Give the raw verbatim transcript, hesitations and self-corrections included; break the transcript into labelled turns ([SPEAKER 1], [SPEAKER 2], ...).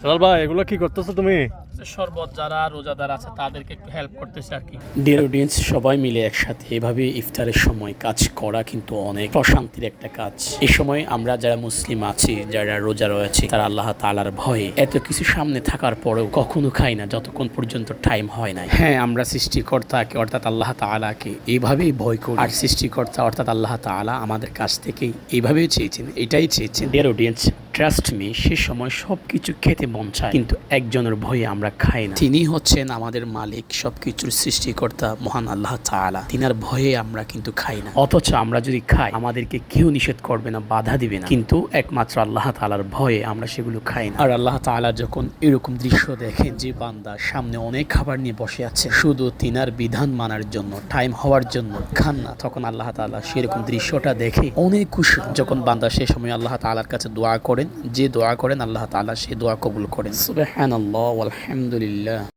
[SPEAKER 1] হেলাল ভাই, এগুলো কি করতেছো তুমি?
[SPEAKER 2] শরবত যারা রোজাদার আছে তাদেরকে একটু হেল্প করতেছে আর কি।
[SPEAKER 3] ডিয়ার অডিয়েন্স, সবাই মিলে একসাথে এভাবে ইফতারের সময় কাজ করা কিন্তু অনেক প্রশান্তির একটা কাজ। এই সময় আমরা যারা মুসলিম আছি, যারা রোজা রয়েছে, তারা আল্লাহ তাআলার ভয়ে এত কিছু সামনে থাকার পরেও কখনো খাই না যতক্ষণ পর্যন্ত টাইম হয় না। হ্যাঁ, আমরা সৃষ্টিকর্তাকে অর্থাৎ আল্লাহ তাআলাকে এইভাবেই ভয় করি, আর সৃষ্টিকর্তা অর্থাৎ আল্লাহ তাআলা আমাদের কাছ থেকেই এইভাবেই চেয়েছেন, এটাই চেয়েছেন। ডিয়ার অডিয়েন্স, ট্রাস্ট মি, সে সময় সবকিছু খেতে মন চায়, কিন্তু একজনের ভয়ে আমরা খাই না। তিনি হচ্ছেন আমাদের মালিক, সবকিছুর সৃষ্টিকর্তা মহান আল্লাহ তাআলা। তিনার ভয়ে আমরা কিন্তু খাই না। অথচ আমরা যদি খাই, আমাদেরকে কেউ নিষেধ করবে না, বাধা দিবে না, কিন্তু একমাত্র আল্লাহ তাআলার ভয়ে আমরা সেগুলো খাই না। আর আল্লাহ তাআলা যখন এরকম দৃশ্য দেখেন যে বান্দা সামনে অনেক খাবার নিয়ে বসে আছে, শুধু তিনার বিধান মানার জন্য, টাইম হওয়ার জন্য খান না, তখন আল্লাহ তাআলা সেরকম দৃশ্যটা দেখে অনেক খুশি। যখন বান্দা সে সময় আল্লাহ তাআলার কাছে দোয়া করেন, যে দোয়া করেন আল্লাহ তাআলা সে দোয়া কবুল করেন। সুবহানাল্লাহ ওয়ালহামদুলিল্লাহ।